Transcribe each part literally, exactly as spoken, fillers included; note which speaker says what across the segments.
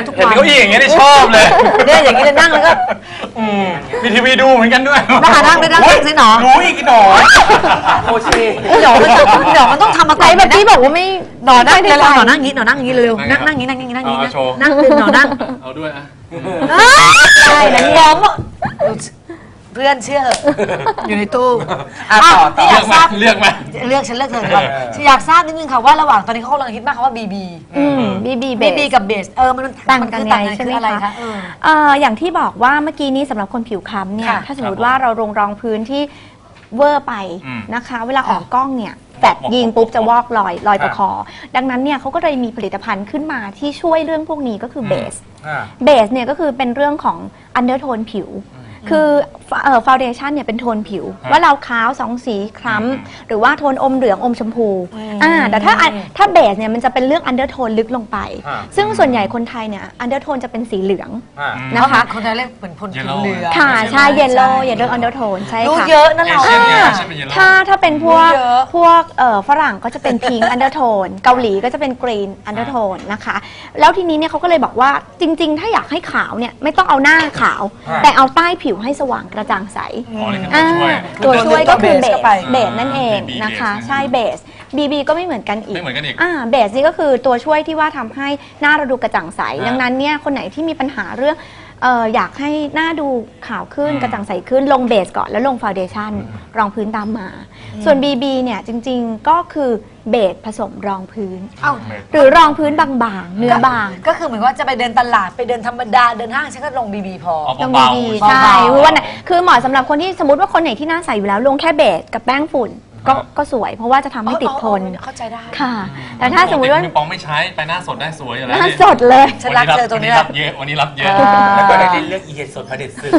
Speaker 1: ทุกวัน
Speaker 2: เห็นเก้าอี้อย่างเงี้ยได้ชอบเลย
Speaker 1: เนี่ยอย่างนี้เลยนั่งแล้วก็
Speaker 2: มีทีวีดูเหมือนกันด้วย
Speaker 1: นั่งนั่งนั่งนั่งสิหนอ
Speaker 2: รู้อีกหนอโอเค
Speaker 1: หนอมันต้องหนอมันต้องทำมาไกลแบบนี้บอกว่าไม่หนอนั่งเลยหนอนั่งงี้หนอนั่งงี้เร็วนั่งนั่งงี้นั่งงี้นั่งงี้นั่งหนอนั่ง
Speaker 2: เอาด้วยอ่ะ
Speaker 1: ใช่นะมองเพื่อนเชื่ออยู่ในตู้
Speaker 2: ต่อต่ออยากทราบเลือกไหม
Speaker 1: เลือกฉันเลือกเธอครับอยากทราบนิดนึงค่ะว่าระหว่างตอนนี้เขากำลังฮิตมากคำว่าบีบี
Speaker 3: บีบี
Speaker 1: บีบีกับเบสเออมัน
Speaker 3: ต่างกันไงใช่ไหมคะเอออย่างที่บอกว่าเมื่อกี้นี้สำหรับคนผิวคล้ำเนี่ยถ้าสมมติว่าเราลงรองพื้นที่เวอร์ไปนะคะเวลาออกกล้องเนี่ยแฟดยิงปุ๊บจะวอกลอยลอยตะคอดังนั้นเนี่ยเขาก็เลยมีผลิตภัณฑ์ขึ้นมาที่ช่วยเรื่องพวกนี้ก็คือเบสเบสเนี่ยก็คือเป็นเรื่องของอันเดอร์โทนผิวคือเอ่อฟาวเดชั่นเนี่ยเป็นโทนผิวว่าเราขาวสองสีคล้ำหรือว่าโทนอมเหลืองอมชมพูอ่าแต่ถ้าถ้าเบสเนี่ยมันจะเป็นเรื่องอันเดอร์โทนลึกลงไปซึ่งส่วนใหญ่คนไทยเนี่ยอันเดอร์โทนจะเป็นสีเหลืองนะคะ
Speaker 1: คนไทยเรียกเหมือนคนผิวเหลือง
Speaker 3: ค่ะใช่เยลโล่เยลโล่อันเดอร์โทนใช่ค่ะ
Speaker 1: รู้เยอะนั่นเรา
Speaker 3: ถ้าถ้าเป็นพวกพวกเอ่อฝรั่งก็จะเป็นพิงค์อันเดอร์โทนเกาหลีก็จะเป็นกรีนอันเดอร์โทนนะคะแล้วทีนี้เนี่ยเขาก็เลยบอกว่าจริงๆถ้าอยากให้ขาวเนี่ยไม่ต้องเอาหน้าขาวแต่เอาใต้ผิวให้สว่างกระจ่างใสตัวช่วยก็คือเบสเบสนั่นเองนะคะใช่เบสบีบีก็ไม่เหมือนกันอีกอ่าเบสนี่ก็คือตัวช่วยที่ว่าทำให้หน้าเราดูกระจ่างใสดังนั้นเนี่ยคนไหนที่มีปัญหาเรื่องเอ่ออยากให้หน้าดูขาวขึ้นกระจ่างใสขึ้นลงเบสก่อนแล้วลงฟาวเดชั่นรองพื้นตามมาส่วน บี บี เนี่ยจริงๆก็คือเบสผสมรองพื้นหรือรองพื้นบางๆเนื้อบาง
Speaker 1: ก็คือเหมือนว่าจะไปเดินตลาดไปเดินธรรมดาเดินห้างฉันก็ลง บี บี พอ
Speaker 3: ลง บี บี ใช่คือว่าคือเหมาะสำหรับคนที่สมมติว่าคนไหนที่หน้าใสอยู่แล้วลงแค่เบสกับแป้งฝุ่นก็ก็สวยเพราะว่าจะทำให้ติดทน
Speaker 1: เข้าใจได้
Speaker 3: ค่ะแต่ถ้าสมมติว่า
Speaker 2: ปองไม่ใช้ไปหน้าสดได้สวยอยู่แล้ว
Speaker 3: หน้าสดเลย
Speaker 1: ฉันรักเธอตรงนี้
Speaker 2: รับเยอะวันนี้รับเยอะ
Speaker 4: แล้วก็ได้เลือกอีเห็ดสดพระเด็ดซึก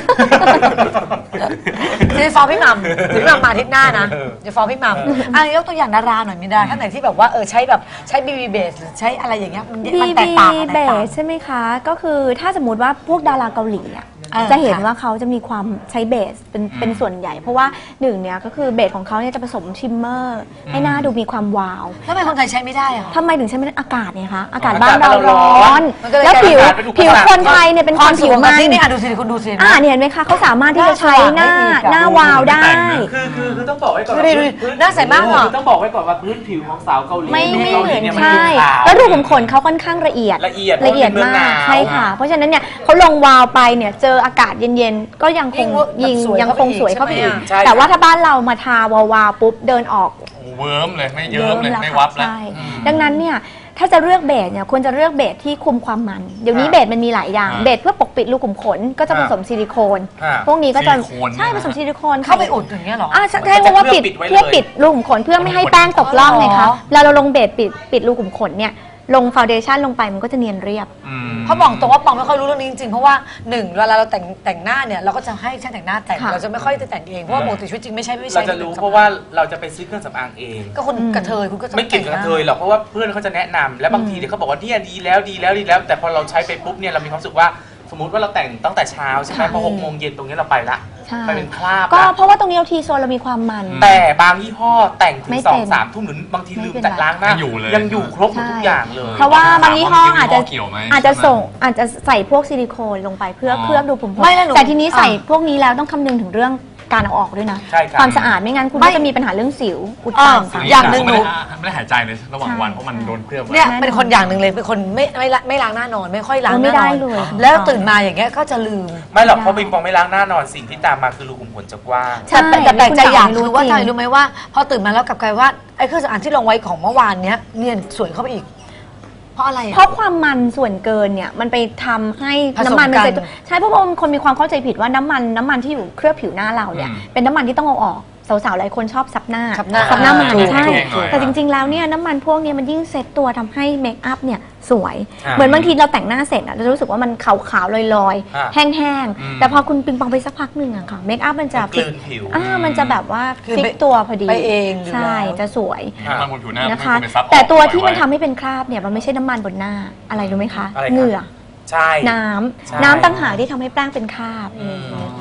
Speaker 1: จะฟ้องพี่มัมพี่มัมมาอาทิตย์หน้านะจะฟ้องพี่มัมอ่ะยกตัวอย่างดาราหน่อยมิดาท่านไหนที่แบบว่าเออใช้แบบใช้บีบีเบสหรือใช้อะไรอย่างเงี้ยมันแตกต่าง
Speaker 3: บีบีเบสใช่ไหมคะก็คือถ้าสมมติว่าพวกดาราเกาหลีอ่ะจะเห็นว่าเขาจะมีความใช้เบสเป็นเป็นส่วนใหญ่เพราะว่าหนึ่งเนี่ยก็คือเบสของเขาเนี่ยจะผสมชิมเมอร์ให้หน้าดูมีความวาว
Speaker 1: ทำไมคนไทยใช้ไม่ได้อะ
Speaker 3: ทำไมถึงใช้ไม่ได้อากาศเนี่ยคะอากาศบ้านเราร้อนแล้วผิวผิวคนไทยเนี่ยเป็นคนผิวมัน
Speaker 1: นี่ดูสิคุณดูสิ
Speaker 3: อ่าเห็นไหมคะเขาสามารถที่จะใช้หน้าหน้าวาวได้
Speaker 4: คือคือคือต้องบอกไว้ก่อน
Speaker 1: หน้าใสมากเหรอ
Speaker 4: ต้องบอกไว้ก่อนว่าพื้นผิวของสาวเกาหลี
Speaker 3: ไม่ไม่เหมือนใช่แล้วรูขุมขนเขาค่อนข้างละเอียด
Speaker 4: ละเอียด
Speaker 3: ละเอียดมากใช่ค่ะเพราะฉะนั้นเนี่ยเขาลงวาวไปเนี่ยเจออากาศเย็นๆก็ยังคงยิงยังคงสวยเข้าไปอีกแต่ว่าถ้าบ้านเรามาทาวาวๆปุ๊บเดินออก
Speaker 2: เวิร์มเลยไม่เยิ้มเลยไม่วับแล้ว
Speaker 3: ดังนั้นเนี่ยถ้าจะเลือกเบสเนี่ยควรจะเลือกเบสที่คุมความมันเดี๋ยวนี้เบสมันมีหลายอย่างเบสเพื่อปกปิดรูขุมขนก็จะผสมซิลิโคนพวกนี้ก็จะใช่ผสมซิลิโคน
Speaker 1: เข้าไปอุดอย่างเงี้ยหรอ
Speaker 3: อ่าใช่เพราะว่าปิดเพื่อปิดรูขุมขนเพื่อไม่ให้แป้งตกล่องไงคะแล้วเราลงเบสปิดปิดรูขุมขนเนี่ยลงฟาวเดชั่นลงไปมันก็จะเนียนเรียบ
Speaker 1: เพราะบอกตรงว่าปองไม่ค่อยรู้เรื่องนี้จริงๆเพราะว่าหนึ่งเวลาเราแต่งแต่งหน้าเนี่ยเราก็จะให้ช่างแต่งหน้าแต่งเราจะไม่ค่อยจะแต่งเองเพราะว่าปกติชีวิตจริงไม่ใช่ไม่ใช่
Speaker 4: เราจะรู้เพราะว่าเราจะไปซื้อเครื่องสำอางเอง
Speaker 1: ก็คนกระเทยคุณก็
Speaker 4: ไม่เก่งกระเทยหรอกเพราะว่าเพื่อนเขาจะแนะนำแล้วบางทีเดี๋ยวเขาบอกว่าเนี่ยดีแล้วดีแล้วดีแล้วแต่พอเราใช้ไปปุ๊บเนี่ยเรามีความรู้สึกว่าสมมติว่าเราแต่งตั้งแต่เช้าใช่ไหมพอหกโมงเย็นตรงนี้เราไปละไปเป็นคราบ
Speaker 3: ก็เพราะว่าตรงนี้เราทีโซนเรามีความมัน
Speaker 4: แต่บางยี่ห้อแต่งถึงสองสามทุ่มหรือบางทีลืมแต่ล้างหน้ายังอยู่ครบทุกอย่างเลย
Speaker 3: เพราะว่าบางยี่ห้ออาจจะอาจจะส่งอาจจะใส่พวกซิลิโคนลงไปเพื่อเคลือบดูผมแต่ทีนี้ใส่พวกนี้แล้วต้องคำนึงถึงเรื่องการเอาออกด้วยนะความสะอาดไม่งั้นคุณก็จะมีปัญหาเรื่องสิวอุดตัน
Speaker 2: อย่างหนึ่งหนูไม่ได้หายใจเลยระหว่างวันเพราะมันโดนเคลือบ
Speaker 1: เนี่ยเป็นคนอย่างหนึ่งเลยเป็นคนไม่ไม่ไม่ล้างหน้านอนไม่ค่อยล้างหน้านอนแล้วตื่นมาอย่างเงี้ยก็จะลืม
Speaker 4: ไม่หรอกเพราะปิงปองไม่ล้างหน้านอนสิ่งที่ตามมาคือรูขุมขนจะกว้าง
Speaker 1: แต่แต่แปลกใจอย่างรู้ว่าใจรู้ไหมว่าพอตื่นมาแล้วกลับกลายว่าไอ้เครื่องสำอางที่ลงไว้ของเมื่อวานเนี้ยเนียนสวยเข้าไปอีกเพราะอะไร
Speaker 3: เพราะความมันส่วนเกินเนี่ยมันไปทำให้น้ำมันมันจะใช่เพราะว่าคนมีความเข้าใจผิดว่าน้ำมันน้ำมันที่อยู่เคลือบผิวหน้าเราเนี่ยเป็นน้ำมันที่ต้องเอาออกสาวๆหลายคนชอบซับหน้าซับหน้ามันใช่แต่จริงๆแล้วเนี่ยน้ำมันพวกนี้มันยิ่งเซ็ตตัวทำให้เมคอัพเนี่ยสวยเหมือนบางทีเราแต่งหน้าเสร็จเราจะรู้สึกว่ามันขาวๆลอยๆแห้งๆแต่พอคุณปิงปองไปสักพักหนึ่งอะค่ะเมคอัพมันจะ
Speaker 4: กลืนผิว
Speaker 3: อ่ามันจะแบบว่าฟิกตัวพอดี
Speaker 1: ไปเอง
Speaker 3: ใช่จะสวย
Speaker 2: นะคะ
Speaker 3: แต่ตัวที่มันทำให้เป็นคราบเนี่ยมันไม่ใช่น้ำมันบนหน้าอะไรรู้ไหมคะเหงื่อน้ำน้ำต่างหากที่ทำให้แป้งเป็นคราบ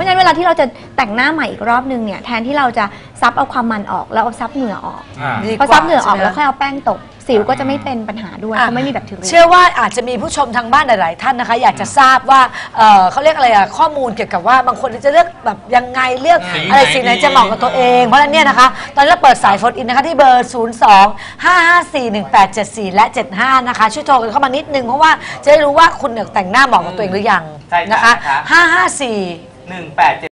Speaker 3: ราะฉะนั้นเวลาที่เราจะแต่งหน้าใหม่อีกรอบนึงเนี่ยแทนที่เราจะซับเอาความมันออกแล้วเอาซับเหงื่อออก
Speaker 2: อ่า
Speaker 1: ดีก
Speaker 3: พอ
Speaker 1: ว่า
Speaker 3: ซับเหงื่อออก
Speaker 1: ใช่ไหม
Speaker 3: แล้วค่อยเอาแป้งตบสิวก็จะไม่เป็นปัญหาด้วย
Speaker 1: อ่ะ
Speaker 3: เพราะไม่มีแบคทีเรีย
Speaker 1: เชื่อว่าอาจจะมีผู้ชมทางบ้านหลาย ๆ ท่านนะคะ อยากจะทราบว่าเอ่อเขาเรียกอะไรอะข้อมูลเกี่ยวกับว่าบางคนจะเลือกแบบยังไงเลือก
Speaker 2: สี
Speaker 1: อะไร
Speaker 2: ไหน
Speaker 1: สีไหน
Speaker 2: ดี
Speaker 1: จะเหมาะกับตัวเอง เพราะฉะนั้นเนี่ยนะคะ ตอนนี้เราเปิดสายโฟนอินนะคะที่เบอร์ ศูนย์ สอง ห้า ห้า สี่ หนึ่ง แปด เจ็ด สี่ และ เจ็ด ห้า นะคะ ช่วยโทรกันเข้ามานิดนึงเพราะว่าจะได้รู้ว่าคุณเนี่ยแต่งหน้าเหมาะกับตัวเองหรือยัง
Speaker 4: ใช่จ้ะ
Speaker 1: นะคะ
Speaker 4: นะคะ
Speaker 1: ห้า ห้า สี่
Speaker 4: หนึ่งแปดเจ็ด